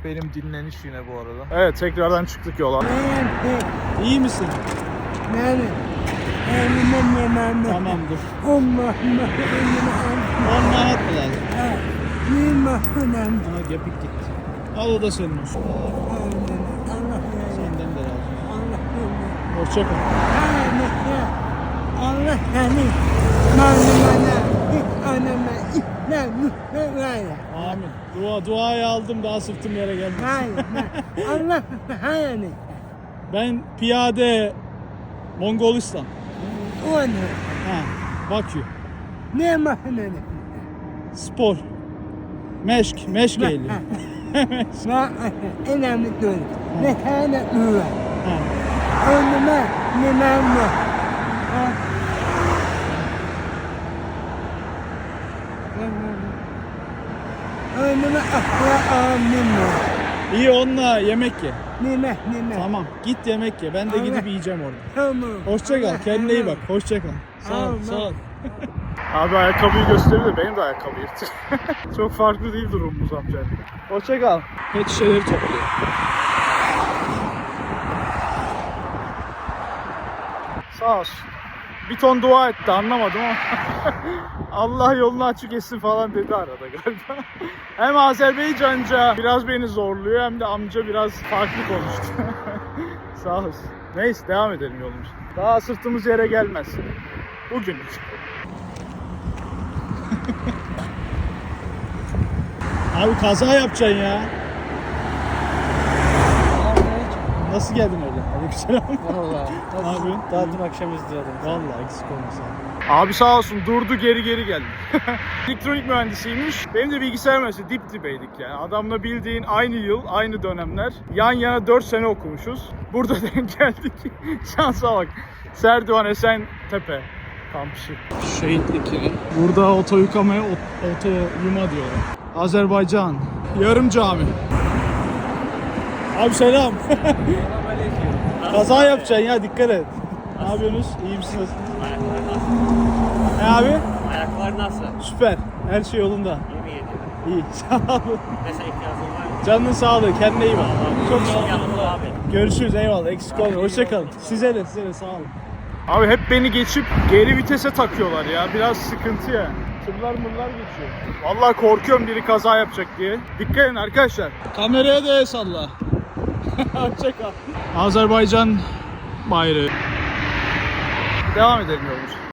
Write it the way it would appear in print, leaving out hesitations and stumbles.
Benim dinleniş yine bu arada. Evet, tekrardan çıktık yola. İyi misin? Nerede? Tamam dur. Allah 10 manat mı lazım? Allah. Aha gepik gitti. Al o da senin olsun. Senden de lazım. Hoşça kal. Allah seni malumana anama İslam'ı Amin. Duayı aldım, daha sırtım yere gelmedi. Allah hayani Ben piyade Mongolistan. onu Ha, Bakü. ne mahneni Spor. Meşk geliyor. ma önemli değil ne tane ıra Ha. önüme ne memnun önüme akla aminu İyi, onunla yemek ye. nime Tamam, git yemek ye. Ben de gidip yiyeceğim orada. tamam Hoşça kal. Kendine iyi bak. Hoşça kal. Sağ ol. Tamam. Sağ ol. Abi ayakkabıyı gösterdi de benim de ayakkabı yırtık. Çok farklı değil durumumuz amcayla. Hoşça kal. Pet şişeleri topluyor. Sağ olsun. Bir ton dua etti, anlamadım ama Allah yolunu açık etsin falan dedi arada galiba. Hem Azerbaycanca biraz beni zorluyor hem de amca biraz farklı konuştu. Sağ olsun. Neyse, devam edelim yolumuza. Daha sırtımız yere gelmez. Bugünlük. Abi kaza yapacaksın ya. Nasıl geldin öyle? Aleykümselam. Vallahi. Ne yapıyorsun? Daha dün akşam izliyordum. Vallahi eksik olmasın. Abi sağ olsun, durdu geri geldi. Elektronik mühendisiymiş. Benim de bilgisayar mühendisi, dip dibeydik yani. Adamla bildiğin aynı yıl, aynı dönemler. Yan yana 4 sene okumuşuz. Burada denk geldik. Şansa bak. Serdivan Esentepe kampüsü. Şehitlik yeri. Burada oto yıkamaya oto yuma diyorlar. Azerbaycan. Yarım cami. Abi selam. Kaza yapacaksın ya, dikkat et. Ne yapıyorsunuz? İyi misiniz? Ne abi? Ayaklar nasıl? Süper. Her şey yolunda. İyi mi yediyor? İyi. Sağ olun. Mesela ihtiyacın var mı? Canının sağlığı. Kendine iyi bak. Çok sağ ol. Yanımda abi. Görüşürüz. Eyvallah. Eksik olmayın. Hoşçakalın. Size de sağ olun. Abi hep beni geçip geri vitese takıyorlar ya. Biraz sıkıntı ya. Tırlar mırlar geçiyor. Vallahi korkuyorum biri kaza yapacak diye. Dikkat edin arkadaşlar. Kameraya da el salla. Hoşçakal. Azerbaycan bayrağı. Devam edelim yolumuza.